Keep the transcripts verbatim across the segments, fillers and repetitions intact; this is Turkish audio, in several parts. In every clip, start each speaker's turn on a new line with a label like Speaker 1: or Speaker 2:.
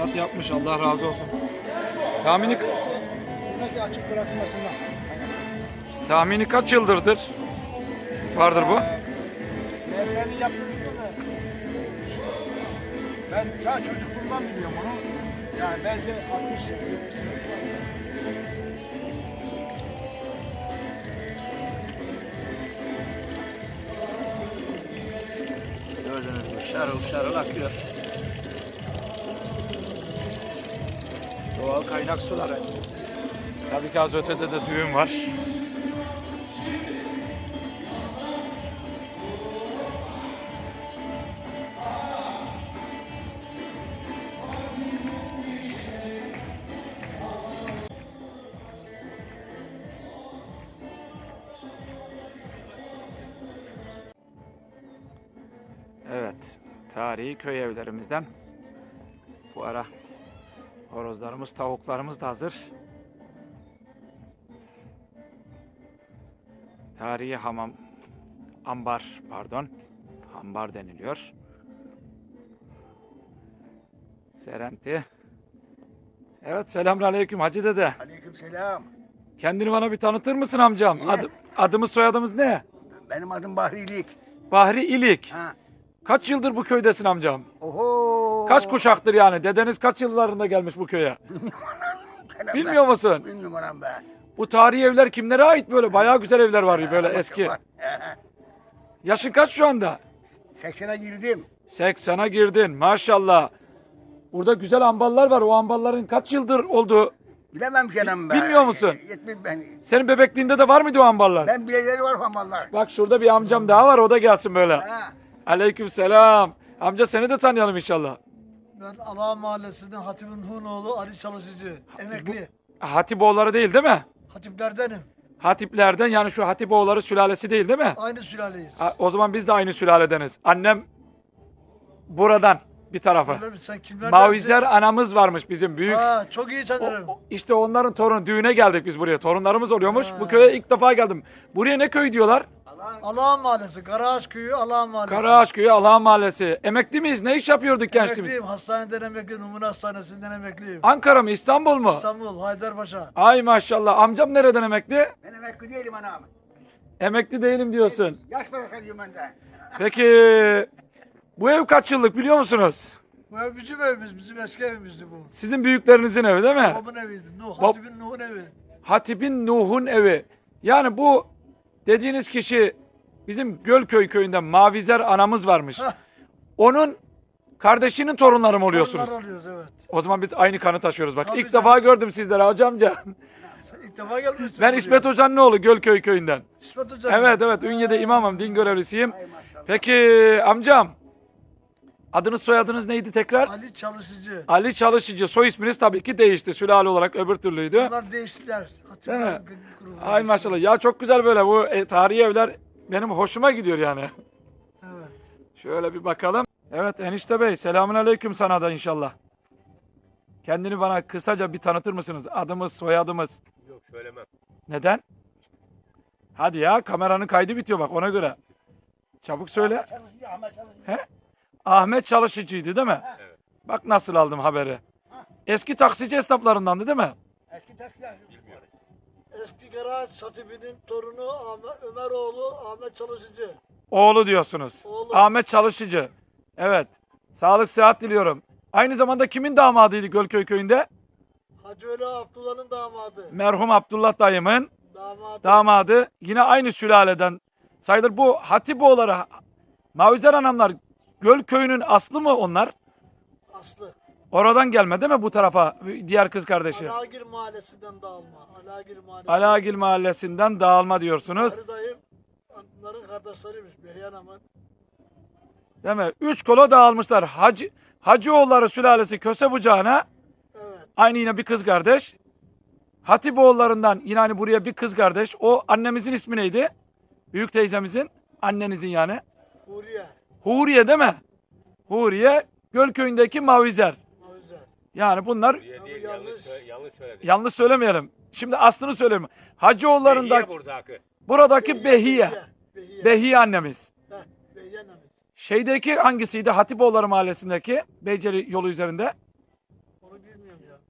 Speaker 1: Ruhsat yapmış. Allah razı olsun. Tahmini
Speaker 2: Buradaki açık bırakılmasından.
Speaker 1: tahmini kaç yıldırdır vardır bu?
Speaker 2: Mesleğini yaptırıyor da. Ben daha çocukluğumdan biliyorum onu. Yani belki altmış yetmiş sene var.
Speaker 1: Gördüğünüz gibi şarıl şarıl akıyor. Doğal kaynak suları. Tabii ki az ötede de düğün var. Evet, tarihi köy evlerimizden bu ara horozlarımız, tavuklarımız da hazır. Tarihi hamam, ambar, pardon, ambar deniliyor. Serenti. Evet, selamünaleyküm Hacı dede.
Speaker 2: Aleykümselam.
Speaker 1: Kendini bana bir tanıtır mısın amcam?
Speaker 2: Niye?
Speaker 1: Adı, adımız soyadımız ne?
Speaker 2: Benim adım Bahrilik.
Speaker 1: Bahri İlik.
Speaker 2: Ha.
Speaker 1: Kaç yıldır bu köydesin amcam?
Speaker 2: Oho.
Speaker 1: Kaç kuşaktır yani? Dedeniz kaç yıllarında gelmiş bu köye? Bilmiyor musun?
Speaker 2: Bilmiyorum anam ben.
Speaker 1: Bu tarihi evler kimlere ait böyle? Bayağı güzel evler var böyle eski. Yaşın kaç şu anda?
Speaker 2: seksene girdim.
Speaker 1: seksene girdin maşallah. Burada güzel amballar var. O ambalların kaç yıldır olduğu
Speaker 2: Bilemem ki anam ben.
Speaker 1: Bilmiyor musun?
Speaker 2: Yetmez ben.
Speaker 1: senin bebekliğinde de var mıydı o amballar?
Speaker 2: Ben bileleri var famallar.
Speaker 1: Bak şurada bir amcam daha var, o da gelsin böyle.
Speaker 2: Ha.
Speaker 1: Aleykümselam. Amca seni de tanıyalım inşallah.
Speaker 3: Ben Ala Mahallesi'nden Hatip'in Hunoğlu Ali Çalışıcı. Emekli.
Speaker 1: Hatipoğulları değil değil mi?
Speaker 3: Hatiplerdenim.
Speaker 1: Hatiplerden, yani şu Hatipoğulları sülalesi değil değil mi?
Speaker 3: Aynı sülaleyiz.
Speaker 1: Ha, o zaman biz de aynı sülaledeniz. Annem buradan bir tarafı.
Speaker 3: Öyle mi? Sen kimlerdensin?
Speaker 1: Mavizer anamız varmış bizim büyük.
Speaker 3: Ha, çok iyi
Speaker 1: O-
Speaker 3: tanırım.
Speaker 1: o- işte onların torunu, düğüne geldik biz buraya. Torunlarımız oluyormuş.
Speaker 3: Ha.
Speaker 1: Bu köye ilk defa geldim. Buraya ne köy diyorlar?
Speaker 3: Ala Mahallesi, Karaağaç Köyü, Ala Mahallesi.
Speaker 1: Karaağaç Köyü, Allah'ın Mahallesi. Emekli miyiz? Ne iş yapıyorduk gençliğimiz?
Speaker 3: Emekliyim. Hastaneden emekli, Numune Hastanesi'nden emekliyim.
Speaker 1: Ankara mı, İstanbul mu?
Speaker 3: İstanbul, Haydarpaşa.
Speaker 1: Ay maşallah. Amcam nereden emekli?
Speaker 2: Ben emekli değilim anam.
Speaker 1: Emekli değilim diyorsun.
Speaker 2: Yaş parası alıyorum ben de.
Speaker 1: Peki bu ev kaç yıllık biliyor musunuz?
Speaker 3: Bu ev bizim evimiz, bizim eski evimizdi bu.
Speaker 1: Sizin büyüklerinizin evi değil mi?
Speaker 3: Babamın eviydi. Nuh,
Speaker 1: Bab-
Speaker 3: Hatip'in Nuh'un evi.
Speaker 1: Hatip'in Nuh'un evi. Yani bu dediğiniz kişi bizim Gölköy köyünden Mavizer anamız varmış.
Speaker 3: Hah.
Speaker 1: Onun kardeşinin torunları mı oluyorsunuz?
Speaker 3: Torunlar oluyoruz, evet.
Speaker 1: O zaman biz aynı kanı taşıyoruz bak.
Speaker 3: Tabii
Speaker 1: İlk
Speaker 3: canım.
Speaker 1: defa gördüm sizleri hacı amca.
Speaker 3: Sen ilk defa gelmişsin.
Speaker 1: Ben
Speaker 3: buraya.
Speaker 1: İsmet Hoca'nın oğlu Gölköy köyünden.
Speaker 3: İsmet Hoca.
Speaker 1: Evet evet, Ünye'de imamım, din görevlisiyim.
Speaker 2: Ay maşallah.
Speaker 1: Peki amcam, adınız soyadınız neydi tekrar?
Speaker 3: Ali Çalışıcı.
Speaker 1: Ali Çalışıcı. Soy isminiz tabii ki değişti. Sülale olarak öbür türlüydü.
Speaker 3: Bunlar değiştiler.
Speaker 1: Değil mi?
Speaker 3: Hatipler grubu
Speaker 1: Ay
Speaker 3: değişti.
Speaker 1: maşallah. Ya çok güzel böyle bu e, tarihi evler benim hoşuma gidiyor yani.
Speaker 3: Evet.
Speaker 1: Şöyle bir bakalım. Evet enişte bey, selamünaleyküm sana da inşallah. Kendini bana kısaca bir tanıtır mısınız? Adımız, soyadımız.
Speaker 4: Yok söylemem.
Speaker 1: Neden? Hadi ya, kameranın kaydı bitiyor bak, ona göre. Çabuk söyle.
Speaker 2: Çalışıyor, Ahmet çalışıyor.
Speaker 1: He? Ahmet Çalışıcı'ydı değil mi?
Speaker 4: Evet.
Speaker 1: Bak nasıl aldım haberi. Eski taksici esnaflarındandı değil mi?
Speaker 2: Eski taksiler.
Speaker 4: Bilmiyorum.
Speaker 3: Eski Karaağaç Hatip'in torunu Ahmet, Ömeroğlu Ahmet Çalışıcı.
Speaker 1: Oğlu diyorsunuz.
Speaker 3: Oğlu.
Speaker 1: Ahmet Çalışıcı. Evet. Sağlık sıhhat diliyorum. Aynı zamanda kimin damadıydı Gölköy köyünde?
Speaker 3: Hacı Veli Abdullah'ın damadı.
Speaker 1: Merhum Abdullah dayımın
Speaker 3: Damadı.
Speaker 1: damadı. Yine aynı sülaleden sayılır. Bu Hatipoğulları, Mavizer anamlar Gölköy'ünün aslı mı onlar?
Speaker 3: Aslı.
Speaker 1: Oradan gelme değil mi bu tarafa diğer kız kardeşi?
Speaker 3: Alagir Mahallesi'nden dağılma. Alagir Mahallesi.
Speaker 1: Alagil mahallesinden dağılma diyorsunuz.
Speaker 3: Karı dayım onların kardeşleriymiş. Beyhan Aman.
Speaker 1: Değil mi? Üç kola dağılmışlar. Hacı, Hacıoğulları sülalesi Köse bucağına
Speaker 3: Evet.
Speaker 1: aynı yine bir kız kardeş. Hatipoğullarından yine hani buraya bir kız kardeş. O annemizin ismi neydi? Büyük teyzemizin, annenizin yani.
Speaker 3: Huriye.
Speaker 1: Huriye değil mi? Huriye Gölköy'ündeki Mavizer.
Speaker 3: Mavizer.
Speaker 1: Yani bunlar
Speaker 4: Diye değil,
Speaker 3: Abi
Speaker 4: yanlış,
Speaker 3: yanlış.
Speaker 4: söyle- yanlış söyledik.
Speaker 1: yanlış söylemeyelim. Şimdi aslını söyleyeyim. Hacıoğullarında
Speaker 4: Behiye buradaki.
Speaker 1: buradaki Behiye.
Speaker 3: Behiye.
Speaker 1: Behiye annemiz.
Speaker 3: Heh, Behiye annemiz.
Speaker 1: Şeydeki hangisiydi? Hatipoğulları mahallesindeki Beyceli yolu üzerinde.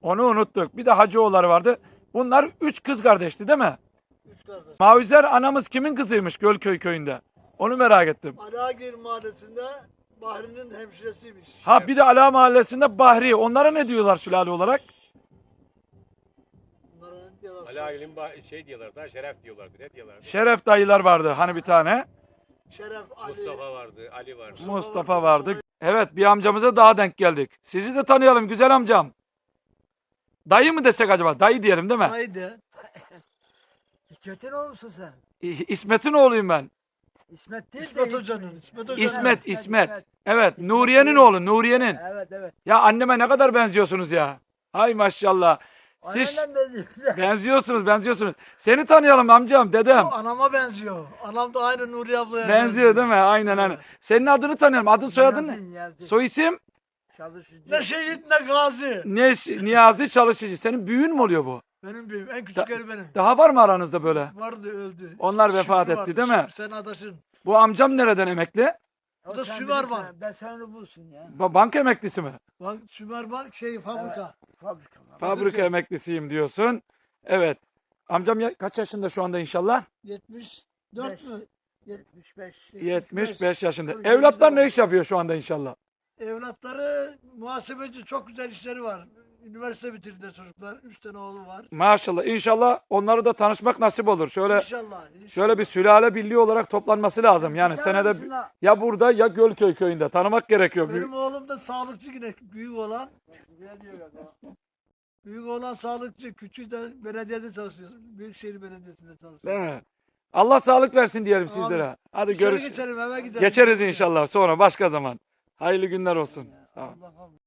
Speaker 1: Onu unuttuk. Bir de Hacıoğulları vardı. Bunlar üç kız kardeşti değil mi?
Speaker 3: Üç kardeş.
Speaker 1: Mavizer anamız kimin kızıymış Gölköy köyünde? Onu merak ettim.
Speaker 3: Alagir mahallesinde Bahri'nin hemşiresiymiş.
Speaker 1: Ha bir de Ala Mahallesi'nde Bahri. Onlara ne diyorlar sülale olarak?
Speaker 3: Bunlara ne diyorlar?
Speaker 4: Ali Agil'in ba- şey diyorlar da Şeref diyorlardı. Ne diyorlardı?
Speaker 1: Şeref dayılar vardı hani bir tane.
Speaker 3: Şeref Ali.
Speaker 4: Mustafa vardı, Ali vardı.
Speaker 1: Mustafa vardı. Evet bir amcamıza daha denk geldik. Sizi de tanıyalım güzel amcam. Dayı mı desek acaba? Dayı diyelim değil mi?
Speaker 3: Haydi. Hikmet'in oğlu musun sen?
Speaker 1: İ- İsmet'in oğluyum ben.
Speaker 3: İsmet değil İsmet Hoca'nın. İsmet Hoca'nın.
Speaker 1: İsmet, İsmet. Evet, Nuriye'nin oğlu, Nuriye'nin.
Speaker 3: Evet evet.
Speaker 1: Ya anneme ne kadar benziyorsunuz ya. Hay maşallah. Siz
Speaker 3: Annenden benziyor.
Speaker 1: benziyorsunuz, benziyorsunuz. Seni tanıyalım amcam, dedem.
Speaker 3: O anama benziyor. Anam da aynı Nuri ablaya
Speaker 1: Benziyor değil mi? Aynen aynen. Senin adını tanıyalım. Adın soyadın ne?
Speaker 3: Niyazi.
Speaker 1: Soy isim?
Speaker 3: Çalışıcı. Ne şehit ne gazi.
Speaker 1: Ne? Niyazi Çalışıcı. Senin büyüğün mü oluyor bu?
Speaker 3: Benim büyüğüm. En küçükleri benim.
Speaker 1: Daha var mı aranızda böyle?
Speaker 3: Vardı öldü.
Speaker 1: Onlar vefat
Speaker 3: Şükrü
Speaker 1: etti
Speaker 3: vardı,
Speaker 1: değil mi?
Speaker 3: Şükrü, sen adaşın.
Speaker 1: Bu amcam nereden emekli?
Speaker 3: O da Sümerban.
Speaker 5: Ben sen onu bulsun ya.
Speaker 1: Ba- Banka emeklisi mi?
Speaker 3: Bak Sümerban şey fabrika.
Speaker 5: Fabrika.
Speaker 1: Fabrika emeklisiyim diyorsun. Evet. Amcam ya- kaç yaşında şu anda inşallah?
Speaker 3: yetmiş dört
Speaker 5: Beş.
Speaker 3: mü?
Speaker 5: yetmiş beş.
Speaker 1: yetmiş beş yaşında.
Speaker 3: Dur,
Speaker 1: Evlatlar
Speaker 3: yirmi
Speaker 1: ne iş yapıyor şu anda inşallah?
Speaker 3: Evlatları muhasebeci, çok güzel işleri var. Üniversite bitirdi çocuklar. Üç tane oğlu var.
Speaker 1: Maşallah. İnşallah onları da tanışmak nasip olur. Şöyle
Speaker 3: İnşallah. inşallah.
Speaker 1: şöyle bir sülale birliği olarak toplanması lazım. Yani
Speaker 3: Bir
Speaker 1: senede
Speaker 3: tanesine-
Speaker 1: ya burada ya Gölköy köyünde tanımak gerekiyor.
Speaker 3: Benim oğlum da sağlıkçı yine büyük olan. Büyük olan sağlıkçı, küçüğü de belediyede çalışıyor. Büyükşehir Belediyesi'nde çalışıyor.
Speaker 1: Değil mi? Allah sağlık versin diyelim
Speaker 3: Amin.
Speaker 1: sizlere. Hadi
Speaker 3: İçeri
Speaker 1: görüş.
Speaker 3: geçelim, eve gidelim.
Speaker 1: Geçeriz inşallah sonra başka zaman. Hayırlı günler olsun. Sağ ol.
Speaker 3: Allah'ım.